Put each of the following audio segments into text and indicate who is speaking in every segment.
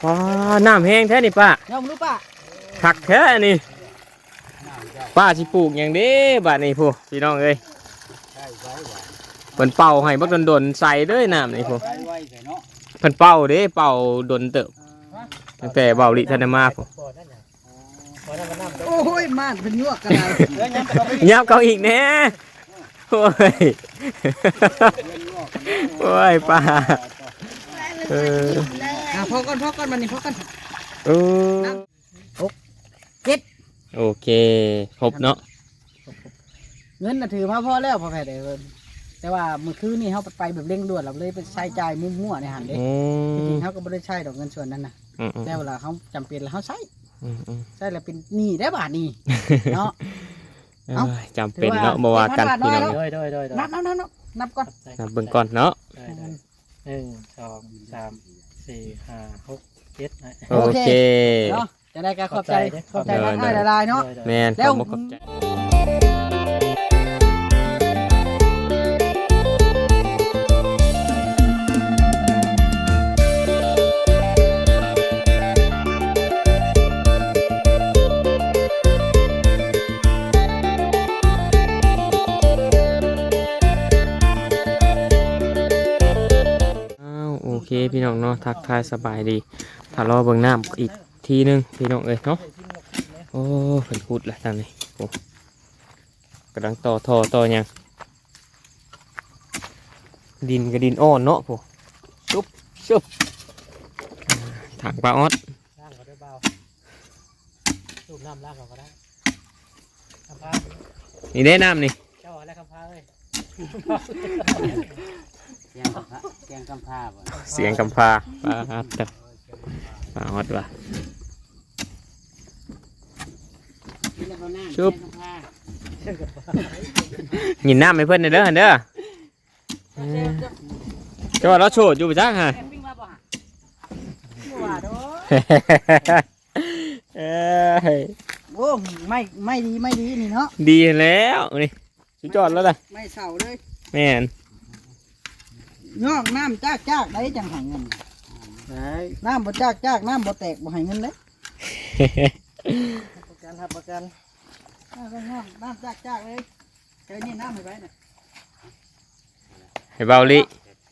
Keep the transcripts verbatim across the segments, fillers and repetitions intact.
Speaker 1: ว้าน้ำแห้งแท้นี่ป้า
Speaker 2: น้องรู้ป่ะ
Speaker 1: ผักแท้นี่ป้าสิปลูกอย่างนี้บาดนี้ผู้พี่น้องเอ้ยเพิ่นเป่าให้บักดนๆใส่เด้อน้ำนี่ผู้เพิ่นเป่าเด้เป่าดนเติบตั้งแต่เบาลิทันมาผู้
Speaker 2: โอ้ยม่านเป็นยั่วกันเลย
Speaker 1: ยับเขาอีกแน่โอ้ยโอ้ยป้าเออ
Speaker 2: อ่ะพอก่อนพอก่อนมันนี่พอก่อน
Speaker 1: เออ
Speaker 2: เจ็ด
Speaker 1: โอเคครบเนาะ
Speaker 2: เงินน่ะถือมาพอแล้วพอแพ้เด้อแต่ว่าเมื่อคืนนี่เขาไปแบบเร่งด่วนเราเลยไปใช้จ่ายมั่วๆในหันเด้
Speaker 1: อื
Speaker 2: จ
Speaker 1: ม
Speaker 2: ริงๆเขาก็ไม่ได้ใช้ดอกเงินส่วนนั้นนะ
Speaker 1: อืมอืม
Speaker 2: แต่เวลาเขาจำเป็นแล้วเขาใช้
Speaker 1: อืมอืม
Speaker 2: ใช้แล้วเป็นหนี้ได้บาทนี่เนาะ
Speaker 1: เอ้ยจำเป็นเนาะบ่ว่ากันพี่น้อง
Speaker 3: โดยโดยโดย
Speaker 2: นับนับนับนับนับก่อน
Speaker 1: นับเบิ่งก่อนเนาะ
Speaker 3: ได้ได้หนึ่งสองสามสี่ห้าหกเจ็ด
Speaker 1: โอเค
Speaker 2: เนาะจะได้การขอบใจขอบใจร้านให้ละลายเนาะ
Speaker 1: แม่น
Speaker 2: แล้ว
Speaker 1: ขอบคุณขอบใจ อ้าวโอเคพี่น้องเนาะทักทายสบายดีถ้ารอเบิ่งน้ำอีกทีนึงพี่น้องเอ้ยเนาะโอ้เพิ่นพูดแล้วทางนี้โอ้กำลังต่อท่อต่อหยังดินกับดินอ่อนเนาะพวกชุบชุบถังปลาออด
Speaker 3: ล่างก็ได้เบาสูบน้ำล่างก็ได้คำพา
Speaker 1: นี่ได้น้ำนี่
Speaker 3: เจ้าอะไรคำพาเลย
Speaker 2: เสียงกำพาเสียงกำพาบ่
Speaker 1: เสียงกำพาปลาออดจ้ะปลาออดว่ะ ชุบ หยินน้ำให้เพื่อนหน่อยเด้อเด้อจะว่าเราโฉดอยู่ปะจ้าฮะ เอ้ย
Speaker 2: โอ้ไม่ไม่ดีไม่ดีนี่เนาะ
Speaker 1: ดีแล้วนี่สุดยอดแล้วเลย
Speaker 2: ไม่เศร้าเลย
Speaker 1: แม่น
Speaker 2: งอกน้ำจากจากได้จังหาเงินน้ำบ่จากจากน้ำบ่แตกบ่ให้เงินเลย
Speaker 3: ประกันครับประกัน
Speaker 2: น้ำน้ำน้ำจากจากเลยเจอนี่น้ำให้ไว้น่ะ
Speaker 1: ให้เบาลิ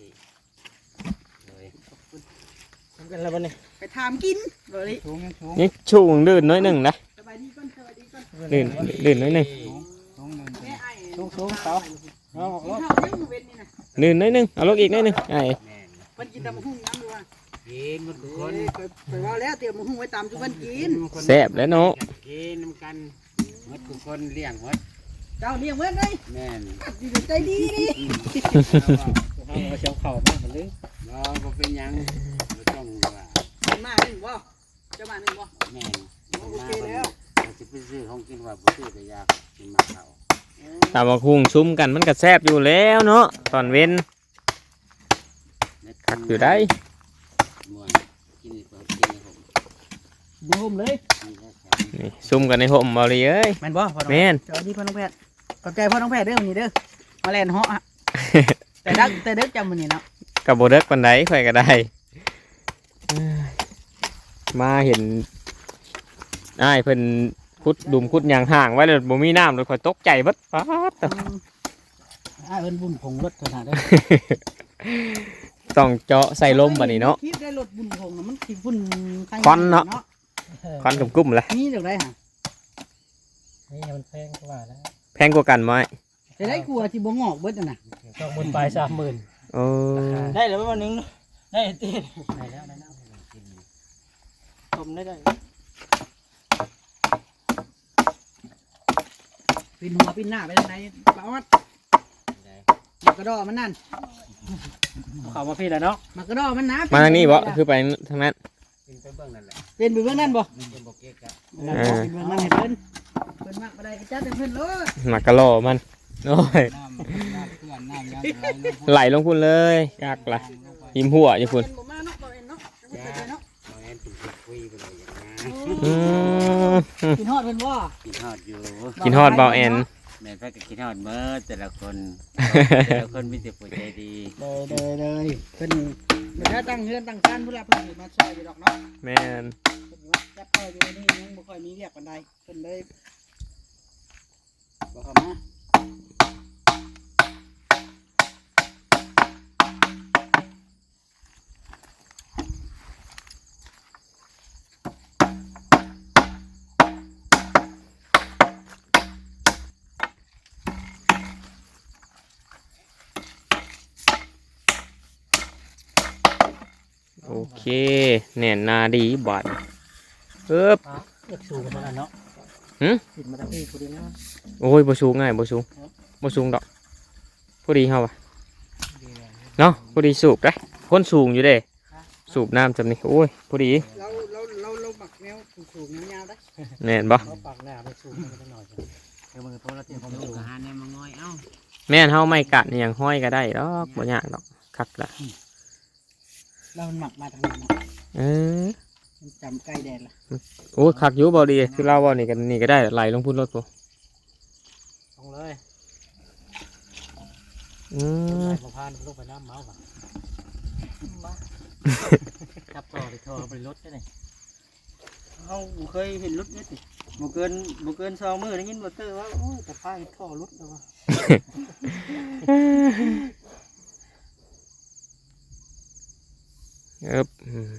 Speaker 3: ทำกันแล้ววันนี้
Speaker 2: ไปถามกินบ่ลิ
Speaker 3: ถุงยังถุง
Speaker 1: นี่ชูงลื่นน้อยหนึ่งนะ
Speaker 2: สบายดีก่อนสบายดีก่อน
Speaker 1: ลื่นลื่นน้อยหนึ่ง
Speaker 2: แม่ไอ้
Speaker 3: ถุงถุงเสาเอาออก
Speaker 2: กิ
Speaker 3: ร
Speaker 2: น
Speaker 3: ถ
Speaker 2: ข้าวยังอยู่เว้นนี่น่ะ
Speaker 1: ลื่นน้อยหนึ่งเอาลูกอีกน้อยหนึ่งไอ้
Speaker 2: เพิ่นกินแต่มะฮุ่งน้ำดูว่า
Speaker 4: กินมันทุกค
Speaker 2: เอ้
Speaker 4: น
Speaker 2: ยเคยไปว่าแล้วเตรียมมะฮุ่งไว้ตามทุกคนกิน
Speaker 1: แซ่บแล้วเนาะ
Speaker 4: กินน้ำกันหมดทุกคนเลี้ยงหมด
Speaker 2: เจ้าเลี้ยงไว้เลย
Speaker 4: แม่น
Speaker 2: ดีใจดีนี่
Speaker 3: เอาเอาเชียวเข่ามาหมดเลย
Speaker 4: เราบ่เป็นหยังบ่ต้องว่า
Speaker 2: มันมาหนึ่งบ่เจ้ามาหนึ่งบ่
Speaker 4: แม่น
Speaker 2: โอเคแล้ว
Speaker 4: เราจะไปซื้อของกินว่าบ่ซื้อแต่อยากกินมาเขา
Speaker 1: ตามมาคุ้งซุ้มกันมันก็แซ่บอยู่แล้วเนาะตอนเว้น
Speaker 4: เน็ต
Speaker 1: คักอยู่ได้
Speaker 4: ม่วนกินนี่เปิดกินให้ผม
Speaker 2: เดี๋ยวผมเลย
Speaker 4: นี่แหละครับ
Speaker 1: นี่ซุ้มกันในห่มเบาลิเอ้ย
Speaker 2: แม่นบ่พ่อน้อง
Speaker 1: แม่น
Speaker 2: เจ้าดีพ่อน้องแพทย์ขอบใจพ่อน้องแพทย์เด้อวันนี้เด้อมาแลนเหาะฮะแต่ดักแต่เด็กจำมื้อนี้เนาะ
Speaker 1: กับโบเด็กปันไดข่อยก็ได้เอ้ยมาเห็นอ้ายเพิ่นคุดดุมคุดยางห่างไว้เลยบ่มีน้ำเลยข่อยตกใจเบัดป๊าด
Speaker 2: อ่าเอิ้นบุญผงรถขนาดเด้อ
Speaker 1: ต้องเจาะใส่ลมบัดนี้เนาะ
Speaker 2: คิดได้รถบุญผงน่ะมันสิบุญใร
Speaker 1: ควันเนาะ ควันกุ้มๆเลย
Speaker 2: นี่เดี๋ยวได้ฮะ
Speaker 3: นี่มันแพงกว่าแล้ว
Speaker 1: แพงกว่ากันไหม
Speaker 2: จะได้กลัวที่บ่งอกเบิดน่ะนะ
Speaker 3: สองหมื่นปลายสามหมื่น
Speaker 1: โอ้
Speaker 3: ได้แล้ววันนึงได้ตีได้แล้วได้แล้วชมได้ได้
Speaker 2: ปินหัวปินหน้าไปทางไหนปาออดมากระดอมันนั่น
Speaker 3: เข้ามาพี่แล้วเนาะ
Speaker 2: มากระดอมันนะ
Speaker 1: มาทางนี้บ่คือไปทางนั้น
Speaker 4: กินไปเบิ่งนั่นแหละ
Speaker 2: เป็นไปเบื้องนั่นบ่
Speaker 4: เป็นบ่เก๊กอะ
Speaker 2: เป็นเบื้องนั่นให้เพิ่นเพิ่นมากบ่ได้ก็จัดให้เพิ่นเลย
Speaker 1: หมักกะโหลมันโอ้ย
Speaker 4: น้ำน้ำเพื่อนน้ำยังไหลลง
Speaker 1: ไหลลงพุ่นเลยยากละยิ้มหัวอยู่พุ่น
Speaker 2: เพิ่นบ่มาเนาะบ่เห็นเนาะยังบ่เคยเนาะ
Speaker 4: เอาแอนเป็นคุยไปเลยอย่างนั้น
Speaker 1: อืม
Speaker 2: กินฮอดเพิ่นบ่
Speaker 4: กินฮอดอยู่
Speaker 1: กินฮอดเบาแอน
Speaker 2: ย
Speaker 4: แม่นพระก็คิดฮอดเบิดแต่ละคนแต่ละคนมีแต่ผู้ใจดี
Speaker 2: เลยเลยเลยเพิ่นมันถ้าตั้งเฮือนตั้งการพุ่นละเพิ่นสิมาช่วยอยู่ดอกเนาะ
Speaker 1: แม่น
Speaker 2: เพิ่นว่าจับพ่ออยู่นี่ยังบ่ค่อยมีเรียกปานใดเพิ่นเลยบ่เข้ามา
Speaker 1: โอเคแน่นหนาดีบาดเอิบ
Speaker 3: เลือกสูงมาแล้วเนาะ
Speaker 1: หึ
Speaker 3: ติดมาตั้งที่พอดีนะ
Speaker 1: โอ้ยบ่สูงง่ายบ่สูงบ่สูงดอกพอดีเฮาว่ะเนาะพอดีสูบได้คนสูงอยู่เด้สูบน้ำจำนี่โอ้ยพอดี
Speaker 2: เราเราเราเราหมักแนวสูงๆยาวๆได้
Speaker 1: แม่นบ่
Speaker 3: เขาปากหน้าไปสูงมาหน่อยเดี๋ยวมือโทรศัพท์ผม
Speaker 4: ลู
Speaker 3: ดู
Speaker 4: กหาแนวมาง่อยเอ้า
Speaker 1: แม่นเฮาไม่กัดอหย่างห้อยก็ได้ดอกบ่ยากดอกคักละ
Speaker 2: เราหมักมาทางนั้นเนาะ
Speaker 1: เออ
Speaker 2: มันจำใกล้แดนละ
Speaker 1: โอ้คักอยู่บ่ดีคือเราบ่นี่กันนี่ก็ได้ไหลลงพุ่นรถกู
Speaker 3: ตรงเลย
Speaker 1: อื
Speaker 3: ไหล
Speaker 1: ม
Speaker 3: มาพานลูกไปน้ำเมาส์ป่ะจับต่อไปท่อไปรถได้เลยเขาเคยเห็นรถเนี่ยสิบ่เกินบ่เกินสองมือได้ยินบ่เตอร์ว่าโอ้ยแต่พายท่อรถแล้วว่ะ
Speaker 1: เอิบอืม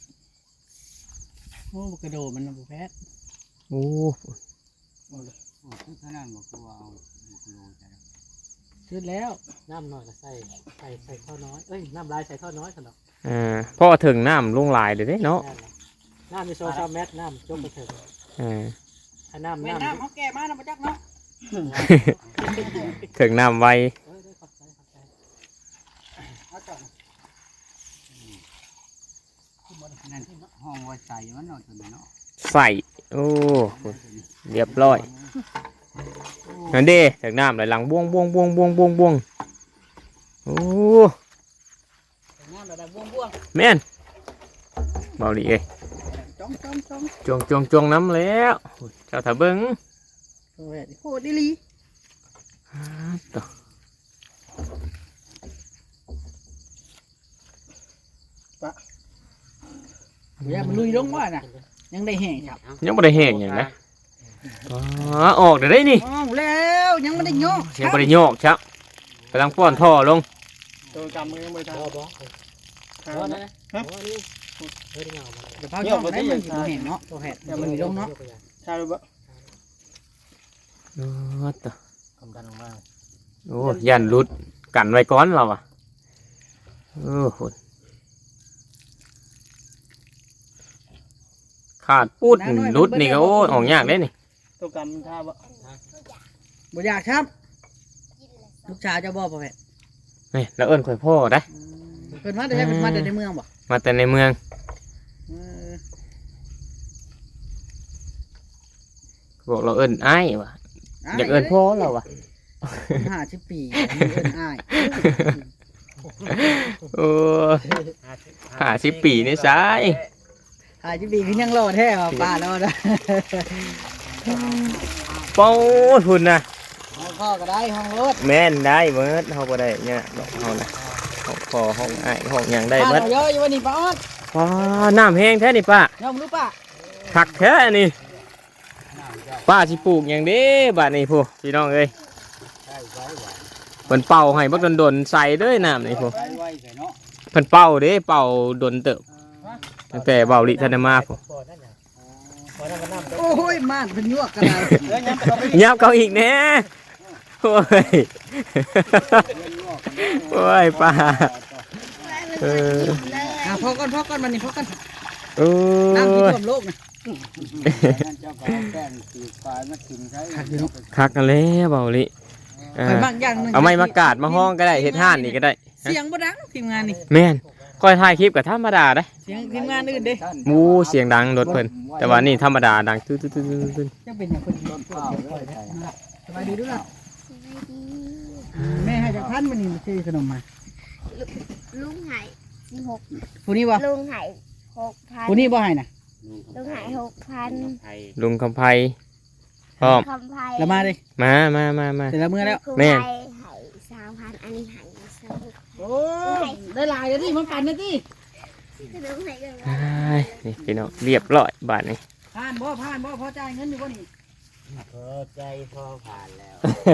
Speaker 2: โอ้กระโดดมันบ่แพ้
Speaker 1: โอ้
Speaker 4: โอ้คือขนาดบอกว่าเอาบุกโลใจ
Speaker 2: ขึ้นแล้ว
Speaker 3: น้ำหน่อยก็ใส่ใส่ใส่ท่อน้อยเอ้ยน้ำลายใส่ท่อน้อยสนอก
Speaker 1: อ่าพอถึงน้ำลงหลายเลยเด้เนาะ
Speaker 3: น้ำมีโซซาแมทน้ำจมไปถึง
Speaker 1: อ่า
Speaker 3: ถ้าน้ำ
Speaker 2: แม่
Speaker 3: น้ำ
Speaker 2: น้ำเขาแก่มานะบ่จักเนาะ
Speaker 1: ถึงน้ำไว
Speaker 3: เออได้ขอบใจขอบใจ
Speaker 2: เอาจอด
Speaker 4: นั่นห้องไว้ใส่มันเนาะตัวนี้เนาะ
Speaker 1: ใส่โอ้เรียบร้อยนั่นเด้ถึงน้ำไหลหลังบ้วงบ้วงบ้วงบ้วงบ้วงบ้วงโอ้
Speaker 2: น้ำระดับบ่วง
Speaker 1: แม่นเบาดีเอ้ย
Speaker 2: ๆจ้องจ้องจ้อง
Speaker 1: จวงจวงจวงน้ำแล้วเจ้าถ้าเบิ้ง
Speaker 2: โอ้ยโหดอีหลี
Speaker 1: ต่อ
Speaker 2: บ่อยากมันลุยลงว่าน่ะยังได้แห้งครับ
Speaker 1: ยังไม่ได้แห้งอย่างนะอ๋อออกเดี๋ยวได้นี่
Speaker 2: อ้าวแล้วยังไม่ได้โยก
Speaker 1: ยังไม่ได้โยกครับกำลังป้อนท่อลง
Speaker 3: ตัวกำมือยังไม่ทำบ่บ่นะฮะเฮ้ยเงา
Speaker 2: เดี๋ยวพาช่องได้มันสิบ่เห็นเนาะตัวแหดมันลุยลงเนาะ
Speaker 3: ใช่หรือเปล่า
Speaker 1: อ๋อต่อ
Speaker 3: คำดันออกมา
Speaker 1: โอ้ยันรุดกันไว้ก้อนเราอ่ะโอ้โหขาดพูดรุดนี่ก็โอ้ออกยากเลยนี่
Speaker 3: ตัวกำมันท่าบ่
Speaker 2: บ่อยากครับลูกชายเจะบ่พ่อแพทย์
Speaker 1: นี่แล้วเอิ้นข่อยพ่อได้
Speaker 2: เพิ่นมาแต่ใช้เพิ่นมาแต่ในเมืองบ่
Speaker 1: มาแต่ในเมือง
Speaker 2: เออ
Speaker 1: บอกเราเอิ้นอ้ายว่ะอยากเอิ้นพ่อเราว่ะ
Speaker 2: ห้าสิบปีอันนี้เอิ้นอ้าย
Speaker 1: โอ้ห้าสิบปีนี่ซ้าย
Speaker 2: ห้าสิบปีคือยังรอแท้ว่ะป้ารอด
Speaker 1: เป้าทุนนะ
Speaker 2: ห้องพ่อก็ได้ห้องรถ
Speaker 1: แม่นได้เบิดเฮาบ่ได้เนี่ยดอกเฮานะห้องคอห้องอ้ายห้องหยังได้
Speaker 2: ป้า
Speaker 1: เบิด
Speaker 2: เราเยอะอยู่วันนี้ป้าออด
Speaker 1: ว้าน้ำแห้งแท้นี่ป้าย
Speaker 2: อมรู้ป้า
Speaker 1: คักแท้นี่ป้าสิปลูกหยังเด้บัดนี้พูพี่น้องเอ้ย
Speaker 4: ใช่ไว้หวาน
Speaker 1: เพิ่นเป่าให้บักดนๆใส่เด้อน้ำนี่พู
Speaker 4: ไว้ไว้ใส่เนาะ
Speaker 1: เพิ่นเป่าเด้เป่าดนเติบตั้งแต่เบาลิทันได้มาพู
Speaker 3: บ่นั่นน่ะบ่นั่นก็น้ำ
Speaker 2: โอ้ยม่านเป็นยวกกันเลย
Speaker 3: เออยังไปเอาไป
Speaker 1: ยับเขาอีกแน่โอ้ยโอ้ยป้าเออ
Speaker 2: อ่ะพ่อก่อนพ่อก่อนมันนี่พ่อก่อน
Speaker 1: โอ้
Speaker 2: น้ำที่
Speaker 1: ย
Speaker 2: ท่วมโลกนะ
Speaker 4: นั่นเจ้าก็เอาแป้งตีปลายมากินใช้
Speaker 1: คักกันแล้วเบาลิเอ
Speaker 2: ข่อย
Speaker 1: อ
Speaker 2: บางอย่างหนึง
Speaker 1: เอาไม้มากาดมาห้องก็ได้เฮ็ดห่านนี่ก็ได้
Speaker 2: เสียงบ่ดังทีมงานนี่
Speaker 1: แม่นคอยถ่ายคลิปกับธรรมดาได้
Speaker 2: เสียงทีมงานอื่นเด้
Speaker 1: หมูเสียงดังรถเพิ่นแต่ว่านี่ธรรมดาดังตื้อตื้อตื้อตื้อ
Speaker 2: จะเป็นอย่างคนต้นข้าวเลยสบายดีด้วยล่ะแม่ให้จากพันมันนี่มาซื้อขนมมา
Speaker 5: ลุงหายสิบหก
Speaker 2: ผู้นี้บ่
Speaker 5: ลุงหายหกพัน
Speaker 2: ผู้นี้บ่ให้น่ะ
Speaker 5: ลุงหายหกพัน
Speaker 1: ลุงคำไพ
Speaker 2: ห
Speaker 1: พร้อม
Speaker 5: คำไพ่
Speaker 2: แล้วมาดิ
Speaker 1: มามามามา
Speaker 2: เสร็จแล้วเมื่อแล้ว
Speaker 1: แม่
Speaker 5: แม่ให้สามพันอันนี้ให้สอง
Speaker 2: โอ้ได้หลายแล้วดิมันปั่นนะดิ
Speaker 5: ขนมให้กัน
Speaker 1: อ้ายนี่พี่น้องเรียบร้อยบาทนี่
Speaker 2: ผ่านบ่ผ่านบ่พอจ่ายเงินอยู่บ่นี่
Speaker 4: พอใจพอผ่านแล้ว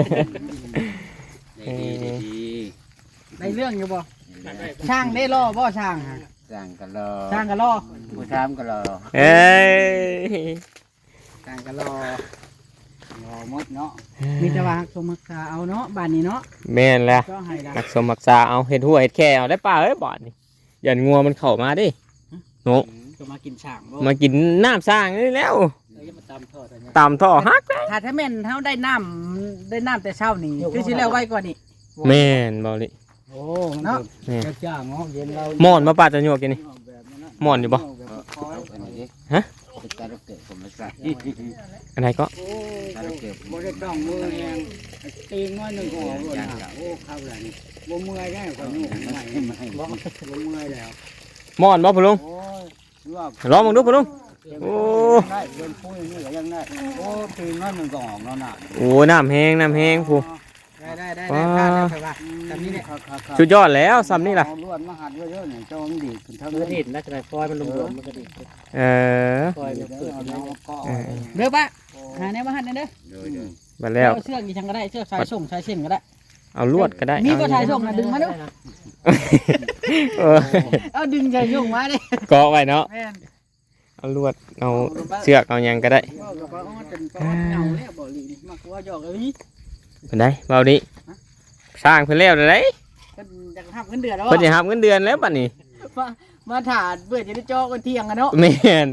Speaker 4: ได้ดีได้ดี
Speaker 2: ได้เรื่องอยู่บ่ช่างได้รอบ่ช่างฮะ
Speaker 4: สั่งกันรอ
Speaker 2: ช่างก็รอ
Speaker 4: ผู้ทำก็รอ
Speaker 1: เอ้ย
Speaker 2: ช่างก็รอ
Speaker 4: รอหมดเนาะ
Speaker 2: มีแต่ว่าฮักสมรักษาเอาเนาะบ้านนี้เนาะ
Speaker 1: แม่นแล้ว
Speaker 2: ก็ให้ละ
Speaker 1: รักสมรักษาเอาเห็ดหัวเห็ดแค่เอาได้ป่าเอ้ยบาทนี่อย่างัวมันเข้ามาดิโน
Speaker 2: ก็มากินช่างบ่
Speaker 1: มากินน้ำสร้างนี่แล้ว
Speaker 2: เอ้ยมาตำทอดอันเนี้ย
Speaker 1: ตามท่อฮัก
Speaker 2: ถ้าถ้าแม่นเฮาได้น้ำได้น้ำแต่เช้านี่คือสิแล้วไว้ก่อนนี่
Speaker 1: แม่นบอลิ
Speaker 3: โอ้
Speaker 2: เนาะ
Speaker 1: แม่น
Speaker 3: จะจ้างเนาะเย็นเรา
Speaker 1: หมอนมาป่าจะโยกกินนี่ หมอนอยู่บ่
Speaker 4: เอาอันนี้ดิ
Speaker 1: ฮะ
Speaker 4: เป็นการเกิดผมมาใส่
Speaker 1: อะไรก็
Speaker 3: โอ้บ่ได้ต้องมือแรงตีงน้อยหนึ่งก็ออกเลยนะโอ้เข้าแล้วนี่บ่เมื่อยได้ก็ยุ่งใหม่บ่บ่เมื่อยแล้ว
Speaker 1: หมอนบ่พะลุง
Speaker 3: โอ้ยว่า
Speaker 1: ลองมึงดูพะลุง โอ้
Speaker 3: ได้เดินปุ้ยนี่ก็ยังได้โอ้ตีน้อยหนึ่งก็ออกแล้วน่ะ
Speaker 1: โอ้น้ำแห้งน้ำแห้งผู้
Speaker 2: ได้ได้ได้ได้ผ่านแล้วไปว่าตามนี้เนี่ย
Speaker 1: สุดยอดแล้วซ้ำนี่ล่ะ
Speaker 3: เอาลวดมาหัดเยอะๆเนี่ยเจ้ามันดีขึ้นเท่า
Speaker 2: มันก็
Speaker 3: นี้
Speaker 2: ดีดนะจะได้ปล่อยมันลงๆมันก็ดีด
Speaker 1: เออ
Speaker 2: ปล่อยมัน
Speaker 3: เดี๋ยว
Speaker 2: เปิด
Speaker 3: เอา
Speaker 2: แล้
Speaker 3: น้
Speaker 2: ว
Speaker 3: องก็
Speaker 1: เออ
Speaker 2: เด้อปะหาแนวมาหันเด้อ
Speaker 4: โดยโดย
Speaker 1: มาแล้ว
Speaker 2: เอาเชือกกี่ชังก็ได้เชือกสายส่งสายเส้นก็ได้
Speaker 1: เอาลวดก็ได้
Speaker 2: มี
Speaker 1: เอา
Speaker 2: บ่สายส่งนะดึงมาดู
Speaker 1: เออ
Speaker 2: เอาดึงสายส่งมาดิ
Speaker 1: เกาะไว้เนาะ
Speaker 2: แม่น
Speaker 1: เอาลวดเอาเชือกเอาหยังก็ได้
Speaker 2: ว่ากับว่าเอาจนก็เหงาแล้วบ่ลีนี่มากกว่าหยอกเอ้ย
Speaker 1: เป็นได้เบาดิสร้างเพิ่นแล้วเด้อเด้
Speaker 2: เพิ่นอยากทำเงินเดือนแล้ว
Speaker 1: เพิ่นสิรับเงินเดือนแล้วบัดนี้
Speaker 2: มามาถาดเพื่อจะได้จอกันเที่ยงกันเนาะ
Speaker 1: แม่น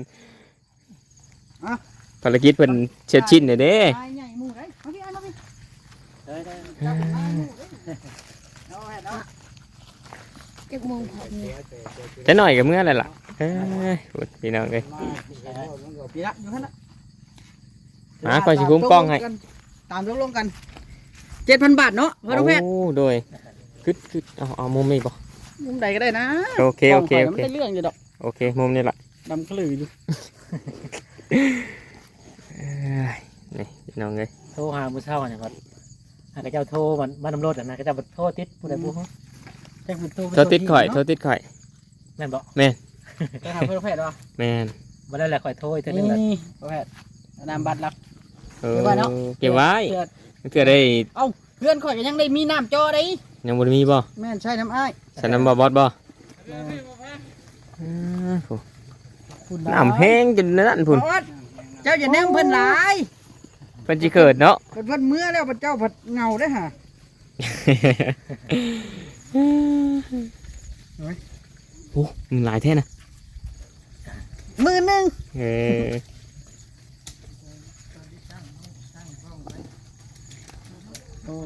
Speaker 1: ภารกิจเพิ่นเช็ดชิ้นเด้อเด้
Speaker 2: ตายใหญ่หมู่ได้มาพี่อันมาพี่
Speaker 3: ได้ได้
Speaker 2: เอาให้เนาะ
Speaker 5: จากโมงผม
Speaker 1: จะหน่อยกับเมื่อไรล่ะเอ้ยพูดพี่น้องเอ้ย
Speaker 2: พี่ละอยู่หั่นน่ะ
Speaker 1: หาก่อนสิคุ้มกล้องให้
Speaker 2: ตามตกลงกันเจ็ดพันบาทเนาะพ่อน้องแพทย์
Speaker 1: โอ้โดยคือคือเอาเอามุมนี้บ่
Speaker 2: มุมใดก็ได้นะ
Speaker 1: โอเคโอเคโอ
Speaker 2: มัน
Speaker 1: เค
Speaker 2: ได้เรื่องอยู่ดอก
Speaker 1: โอเคมุมนี้ล่ะ
Speaker 2: ดำกระลืออยู่
Speaker 1: เอ้ยนี่พี่น้องเอ้ย
Speaker 6: โทรหาผู้เช่าเนี่ยครับหากเจ้าโทรมันมันนำรถอ่ะนะก็จะโทรติดผู้ใดผู้เขา
Speaker 2: แจ้งคุณโต
Speaker 1: โทรติดข่อยโทรติดข่อย
Speaker 6: แม่นบอก
Speaker 2: ไปหาเพื่อนแพทย์วะ
Speaker 1: แม่น
Speaker 6: มาได้แหละข่อยโทรอีกเท่านึ
Speaker 2: นี่
Speaker 6: งแหละ
Speaker 2: แพทย์นามบัตรลัก
Speaker 1: เออ
Speaker 2: เก็บไว้เนาะ
Speaker 1: เก็บไว้
Speaker 2: เพื่อน
Speaker 1: เพื่อได้
Speaker 2: เพื่อนข่อยก็ยังได้มีน้ำจอได้
Speaker 1: ยังบ่ได้มีบ่
Speaker 2: แม่นใช่น้ำอ้าย
Speaker 1: สนามบ่บอสบ่
Speaker 2: เออ
Speaker 1: อ่าโห
Speaker 2: คุณ
Speaker 1: น้ำแห้งจนนั่นพุ่น
Speaker 2: บอสเจ้าอย่าแนมเพิ่นหลาย
Speaker 1: เพิ่นสิเกิดเนาะ
Speaker 2: เพิ่นเพิ่นเมื่อแล้วเจ้าผัดเงาได้อฮะ
Speaker 1: โอ้มันหลายแท้นะ
Speaker 2: มือหนึง
Speaker 1: เออ
Speaker 2: โอ้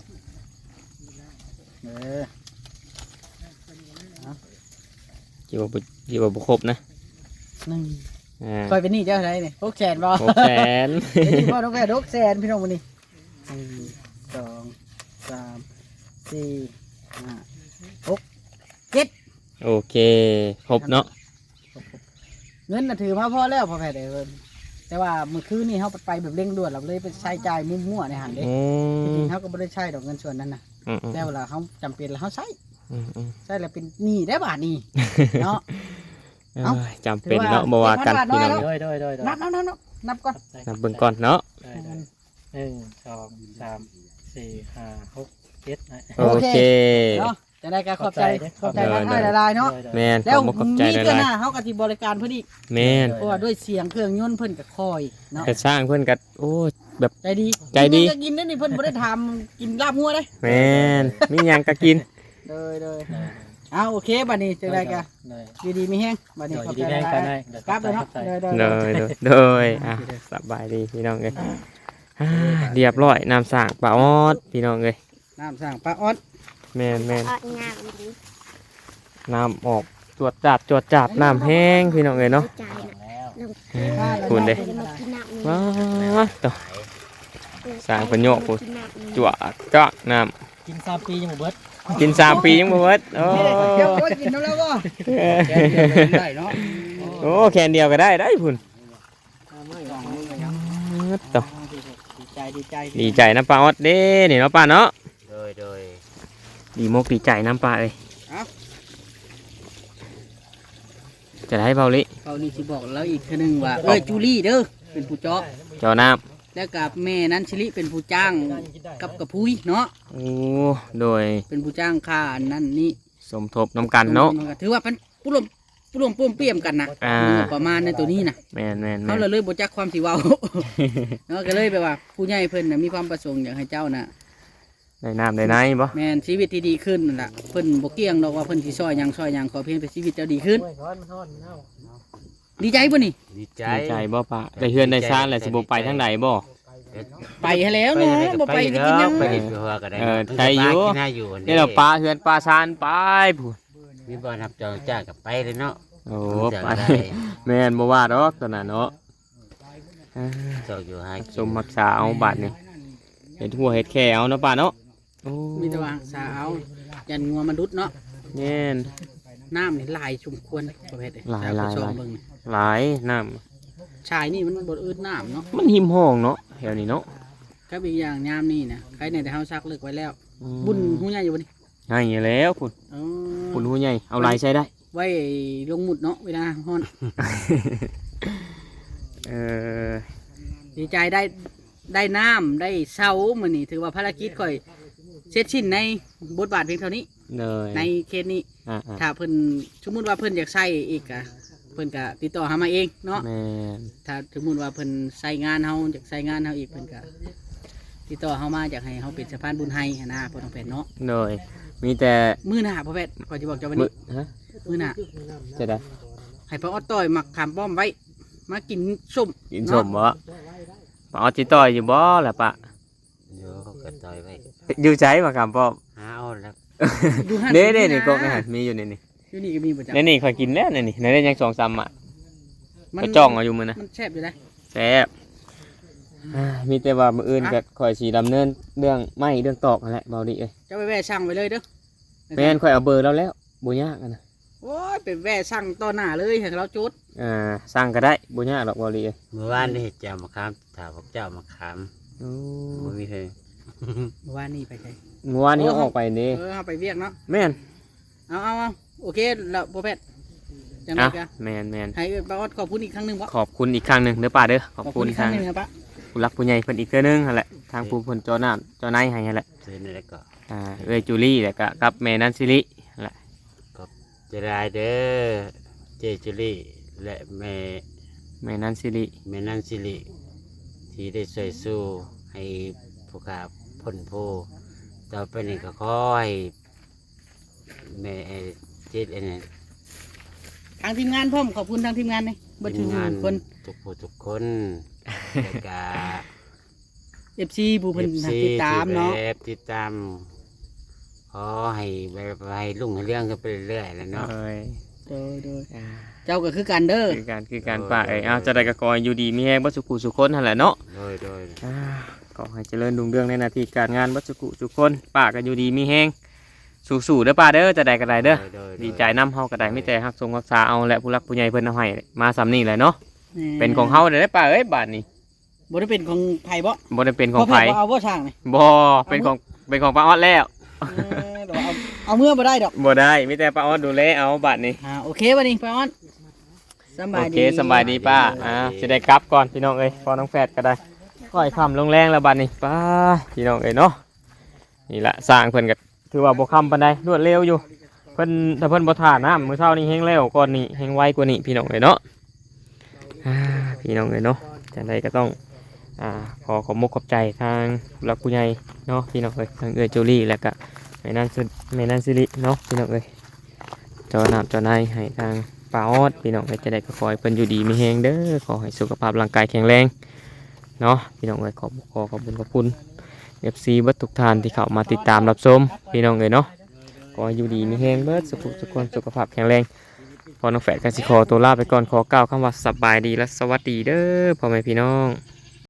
Speaker 2: เออ
Speaker 1: กี่ว่าบ่กี่ว่าบ่ครบนะ
Speaker 2: หนึ่ง
Speaker 1: อ่า
Speaker 2: คอยเป็นหนี่เจ้าอะไรนี่หกแสนบ่
Speaker 1: หกแสน
Speaker 2: เดี๋ยวพ่อน้องแพทย์หกแสนพี่น้องวันนี้หนึ่งสองสามสี่ห้าหกเจ็ด
Speaker 1: โอเคครบเนาะ
Speaker 2: เงินน่ะถือมาพอแล้วพ่อแพทย์เอ้ยแต่ว่าเมื่อคืนนี่เขาไปแบบเร่งด่วนเราเลยไปใช้จ่ายมั่วๆในหันเด้
Speaker 1: อื
Speaker 2: จ
Speaker 1: ม
Speaker 2: ริงๆเขาก็ไม่ได้ใช้ดอกเงินส่วนนั้นนะ
Speaker 1: อืมอืม
Speaker 2: แต่เวลาเขาจำเป็นแล้วเขาใช้
Speaker 1: อืมอืม
Speaker 2: ใช้แล้วเป็นหนี้ได้บาทหนี้ เนาะ เอ้า
Speaker 1: เอ้ยจำเป็นเนาะบ่ว่ากัน
Speaker 2: ถื
Speaker 1: พี่
Speaker 2: อว่า
Speaker 1: น้อง
Speaker 6: โดยโดยโดยโดย
Speaker 2: นับนับนับนับนับก่อน
Speaker 1: นับเบิ่งก่อนเนาะ
Speaker 6: ได้ได้หนึ่งสองสามสี่ห้าหกเจ็ดนะ
Speaker 1: โอเค
Speaker 2: เนาะจะได้การขอบใจข
Speaker 6: ข
Speaker 2: อ
Speaker 6: อ
Speaker 2: บบ ใจ
Speaker 6: ใจ
Speaker 2: ร้านให้ละลายเนาะ
Speaker 6: โดยโดย
Speaker 1: แม่น
Speaker 2: แล้ว
Speaker 1: ขอบอกขอบใจ
Speaker 2: มี
Speaker 1: ห
Speaker 2: เพื่อนห
Speaker 1: ลาย
Speaker 2: น้าเขาก็ที่บริการเพื่อนอีก
Speaker 1: ๆแม่น
Speaker 2: เพราะว่าด้วยเสียงเครื่องยนต์เพิ่นก็คอยเนาะ
Speaker 1: แต่สร้างเพิ่นก็โอ้แบบ
Speaker 2: ใจดี
Speaker 1: ใจดี
Speaker 2: กินก็กินได้นี่เพิ่นบ่ได้ทำกินลาบงัวได้
Speaker 1: แม่นมีหยังก็กิน
Speaker 2: เลยเลยเอาโอเคบัดนี้จังได๋กะ
Speaker 6: โดย
Speaker 2: อยู่ดีมีแฮงบัดนี้
Speaker 6: โดย
Speaker 2: ขอบ
Speaker 6: ดี
Speaker 2: ใจ
Speaker 6: แม่
Speaker 2: ห
Speaker 6: กั
Speaker 2: ลาน ย
Speaker 6: ได้
Speaker 2: ๆกลับเลยเนาะเลยเลย
Speaker 1: โดยโดยโดยอ่ะสบายดีพี่น้องเอ้ยอ่าเรียบร้อยน้ำสร้างปลาออดพี่น้องเอ้ย
Speaker 2: น้ำสร้างปลาออด
Speaker 1: แม่นแม่น
Speaker 5: ออดงามดี
Speaker 1: น้ำออกจวดจัดจวดจัดน้ำแห้งพี่น้องเอ้ยเนาะ
Speaker 5: ใจนะ
Speaker 1: คุณเด้
Speaker 5: จะมากินน้ำ
Speaker 1: ว้าต่อสร้างประโยชน์พูดจวดจักน้
Speaker 6: กินสามปียังบ่เบิด
Speaker 1: ำกินสามปียังบ่เบิดโอ้
Speaker 2: เดี๋ยวโอ้ยกินน้ำแล้วบ่
Speaker 3: แค่เดียวก็ได้เนาะ
Speaker 1: โอ้แคนเดียวก็ได้ได้พุ่นต่อ
Speaker 2: ดีใจ
Speaker 1: ดีใจน้ำปลาออดเด้นี่เนาะป้าเนาะ
Speaker 4: โดยโดย
Speaker 1: ดีมกดีใจน้ำปลาเอ้ยจะได้เบาลิ
Speaker 2: เขานี่สิบอกแล้วอีกทีหนึงว่าเอ้ยจูลี่เด้อเป็นผู้เจาะ
Speaker 1: เจ้าน้
Speaker 2: แล้วกับแม่นั้นชิลิเป็นผู้จ้างกับกระพุ้ยเนาะ
Speaker 1: ำโอ้โดย
Speaker 2: เป็นผู้จ้างค่าอันนั้นนี่
Speaker 1: สมทบน้ำกันเนาะ
Speaker 2: ถือว่าเป็นผู้ร่วมผู้ร่วมป้วมเปี้ยมกันนะ
Speaker 1: อ่า
Speaker 2: ประมาณในตัวนี้นะ
Speaker 1: แมนแมนแม
Speaker 2: เขา
Speaker 1: น
Speaker 2: เลยเลยบ่จักความสิเว้า เนาะก็เลยแบบว่าผู้ใหญ่เพิ่นน่ะมีความประสงค์อยากให้เจ้าน่ะ
Speaker 1: ได้น้ำได้ไหนบ่
Speaker 2: แม่นชีวิตที่ดีขึ้นนั่นล่ะเพิ่นบ่เกี่ยงดอกว่าเพิ่นสิซอยหยังซอยหยังขอเพียงแต่ชีวิตเจ้าดีขึ้น ดีใจบ่นี่
Speaker 4: ดีใจ
Speaker 1: ดีใจบ่ป้าได้เฮือนได้ซ่านแล้วสิบ่ไปทางใดบ่
Speaker 2: ไปให้แล้วเนาะบ่ไปสิกินหยัง
Speaker 4: ไปเด็ดหัวก็ได้
Speaker 1: เออใจอยู่
Speaker 4: กินให้อยู่
Speaker 1: นี่เราปลาเฮือนปลาซ่านไปพูน
Speaker 4: มีบ่อนับจองจ้ากับไปเลยเนาะ
Speaker 1: โอ้
Speaker 4: จะ
Speaker 1: ไป
Speaker 4: ได้
Speaker 1: แม่นบ่ว่าดอกตอนนั้นเนาะอ่า
Speaker 4: จองอยู่ให้
Speaker 1: สมรักษาเอาบาดนี่เฮ็ดหัวเฮ็ดแค่เอาเนาะป้าเนาะโอ้
Speaker 2: มีแต่ว่าสาวยันงัวมนุษย์เนาะ
Speaker 1: แม่น
Speaker 2: น้ำนี่หลายชุมควรประเภท
Speaker 1: หลายหลาย
Speaker 2: ช
Speaker 1: ห
Speaker 2: อ
Speaker 1: ลาย
Speaker 2: เบิ่งนี่
Speaker 1: หลายน้ำ
Speaker 2: ชายนี่มันบ่อืดน้ำเนาะ
Speaker 1: มันหิมห้องเนาะแถวนี้เนาะ
Speaker 2: ก็อีกอย่างยามนี่นะใครในแต่เฮาซักเลิกไว้แล้ว
Speaker 1: อืม
Speaker 2: บุญหูใหญ่อยู่บ่นี่
Speaker 1: ให้แล้วพุ่น
Speaker 2: อ๋อ
Speaker 1: พุ่นหูใหญ่เอาลายใช้ได้
Speaker 2: ไว้ลงหมุดเนาะเวลาฮ้อน
Speaker 1: เออ
Speaker 2: ดีใจได้ได้น้ำได้เสามื้อนี้ถือว่าภารกิจค่อยเสร็จสิ้นในบทบาทเพียงเท่านี้
Speaker 1: เลย
Speaker 2: ในเคสนี้
Speaker 1: อ่า
Speaker 2: ถ้าเพิ่นสมมุติว่าเพิ่นอยากใช้อีกอะเพิ่นก็ติดต่อหามาเองเนาะ
Speaker 1: ๆแม่น
Speaker 2: ถ้าสมมุติว่าเพิ่นใช้งานเฮาอยากใช้งานเฮาอีกเพิ่นก็ติดต่อเฮามาอยากให้เฮาเป็นสะพานบุญให้หั้นนะพ่อน้องแพทย์เนาะ
Speaker 1: เลยมีแต่
Speaker 2: มื้อหน้าพ่อแพทย์ขอยจะบอกเจ้าวัน
Speaker 1: มือ
Speaker 2: นี้
Speaker 1: ฮะ
Speaker 2: มื้อหน้า
Speaker 1: จะได้
Speaker 2: ให้พ่อออดต่อยหมักขามป้อมไว้ มากินส้ม
Speaker 1: กินสมบ่ปะเอาจิต่อยอยู่บ่ล่ะปะ
Speaker 4: เดี๋ยวเขาก็ต่อยไว้
Speaker 1: อยู่ใจมาคำป้อม
Speaker 4: หาเอาแล้ว
Speaker 2: ดูห้า
Speaker 1: เด้เด้
Speaker 2: สิบ
Speaker 1: นี่
Speaker 2: ะ
Speaker 1: กกนะฮะมีอยู่นี่นี่
Speaker 2: อยู่นี่ก็มีประจำ
Speaker 1: ในนี่ข่อยกินแล้วในนี่ในนี่ยังสองสามอ่ะ
Speaker 2: มั
Speaker 1: ก็จ้องเอาอยู่มื้อนะ
Speaker 2: มันแซ่บอยู่ได้
Speaker 1: แซ่บอ่ามีแต่ว่ามื้ออื่นก็ข่อยสิดำเนินเรื่องไม้เรื่องตอกนั่นแหละเบาดิเอ้ย
Speaker 2: เจะไปแว่ช่างไว้เลยเด้อ
Speaker 1: แม่นข่อยเอาเบอร์แล้วแล้วบ่ยากอะนะ
Speaker 2: โอ้ยไปแว่ช่างต่อหน้าเลยให้เราจุด
Speaker 1: อ่าสร้างก็ได้บ่ยากดอกเบาดิเอ้ย
Speaker 4: เมื่อวานได้เห็ดเจ้ามาขามถามพวกเจ้ามาขาม
Speaker 1: โอ้
Speaker 4: บ่มีเลย
Speaker 2: เมื่อวานนี่ไปใช่
Speaker 1: เมื่อวานนี้เอาออกไปนี่
Speaker 2: เออเอาไปเวียกเนาะ
Speaker 1: แม่น
Speaker 2: เอาเอาเอาโอเคแล้วพ่อแพทย์จังไง
Speaker 1: อ่ะ
Speaker 2: กัน
Speaker 1: แม่นแม่น
Speaker 2: ให้ป้าออดขอบคุณอีกครั้งหนึ่งวะ
Speaker 1: ขอบคุณอีกครั้งหนึงเด้อป้าเด้อขอบคุณ
Speaker 2: อีกครั้
Speaker 1: ทาง ง
Speaker 2: หนึ่งครับป้า
Speaker 1: ผู้รักผู้ใหญ่เพิ่นอีกเทื่อนึงนั่นแหละทางผู้เพิ่นเจ้าน้ำเจ้านายให้นั่นแหละ
Speaker 4: ซื้อนี่แล้วก็
Speaker 1: อ่าเอ้ยจูลี่แล้วก็กับแม่นันซิรินั่นแหละ
Speaker 4: จะได้เด้อเจจุลี่และแม่
Speaker 1: แม่นันซิริ
Speaker 4: แม่นันสิริที่ได้ช่วยสู้ให้ผู้ขาพ้นผู้ต่อไปนี้ก็ขอให้แม่เจ็ดอันนี้
Speaker 2: ทางทีมงานพ่อมขอบคุณทางทีมงานเลยบัตร
Speaker 4: ทีมงาน
Speaker 2: คน
Speaker 4: ทุกผู้ทุกคนแล้วก็
Speaker 2: เอฟซีผู้เพิ่น
Speaker 4: เอฟซี
Speaker 2: ติดตามเนาะ
Speaker 4: ที่แบบติดตามขอให้แบบให้ลุ่งให้เรื่องกันไปเรื่อยๆแล้วเนาะ
Speaker 1: เอ้ย
Speaker 2: โดยโดย
Speaker 1: อ่า
Speaker 2: เจ้าก็คือกันเด้อ
Speaker 1: คือการคือการป้าเอ้ยเอาจะได้กระกอยอยู่ดีมีแฮงบัสุกุสุคนนั่นแหละเนาะ
Speaker 4: โดยโดย
Speaker 1: อ่าขอให้เจริญรุ่งเรืองในหน้าที่การงานบัสุกุสุคนป้าก็อยู่ดีมีแฮงสู้ๆเด้อป้าเด้อจะได้ก็ได้เด้อ
Speaker 4: โดย
Speaker 1: ดีใจนํเฮาก็ได้ไม่แต่ฮักทรงรักษาเอาและผู้รักผู้ใหญ่เพิ่นเอาให้มาสำนี้แหละเนาะเป็นของเฮาเด้อป้าเอ้ยบาดนี้
Speaker 2: บ่ได้เป็นของไผบ่
Speaker 1: บ่ได้เป็นของไผ
Speaker 2: พ่แพทย์บ่เอาบ่ช่างนี่
Speaker 1: บ่เป็นของเป็นของป้าออดแล้ว
Speaker 2: เออเดี๋ยวเอาเอาเมื่อบ่ได้ดอก
Speaker 1: บ่ได้มีแต่ป้าออดดูแลเอาบาดนี้
Speaker 2: อ่าโอเคบัดนี้ป้าออนสำบา
Speaker 1: โอย
Speaker 2: ดี
Speaker 1: เคสำบายดีป้าอ่าจะได้กลับก่อนพี่น้องเอ้ยพอน้องแฟดก็ได้ค่อยคำลงแรงแล้วบาดนี้ป้าพี่น้องเอ้ยเนาะนี่ละสร้างเพิ่นก็ถือว่าบ่คำปานใดรวดเร็วอยู่เพิ่นถ้าเพิ่นบ่ท่าน้ำมื้อเช้านี้แฮงเร็วก่อนนี้แฮงไวกว่านี้พี่น้องเอ้ยเนาะอ่าพี่น้องเอ้ยเนาะจังไดก็ต้องอ่าขอขอบมกขอบใจทางผู้หลักผู้ใหญ่เนาะพี่น้องเอ้ยทางเอื้อจูลี่แล้วก็แม่นันสิแม่นันสิริเนาะพี่น้องเอ้ยเจ้าน้ำเจ้านายให้ทางป้าออดพี่น้องเอ้ยจะได้ก็ขอให้เพิ่นอยู่ดีมีแฮงเด้อขอให้สุขภาพร่างกายแข็งแรงเนาะพี่น้องเอ้ยขอบขอขอบคุณขอบคุณ เอฟ ซี เบิดทุกท่านที่เข้ามาติดตามรับชมพี่น้องเอ้ยเนาะขอให้อยู่ดีมีแฮงเบิดสุขสุขคนสุขภาพแข็งแรงพอน้องแฝดกันสิขอตัวลาไปก่อนขอกล่าวคำว่าสบายดีและสวัสดีเด้อพ่อแม่พี่น้อง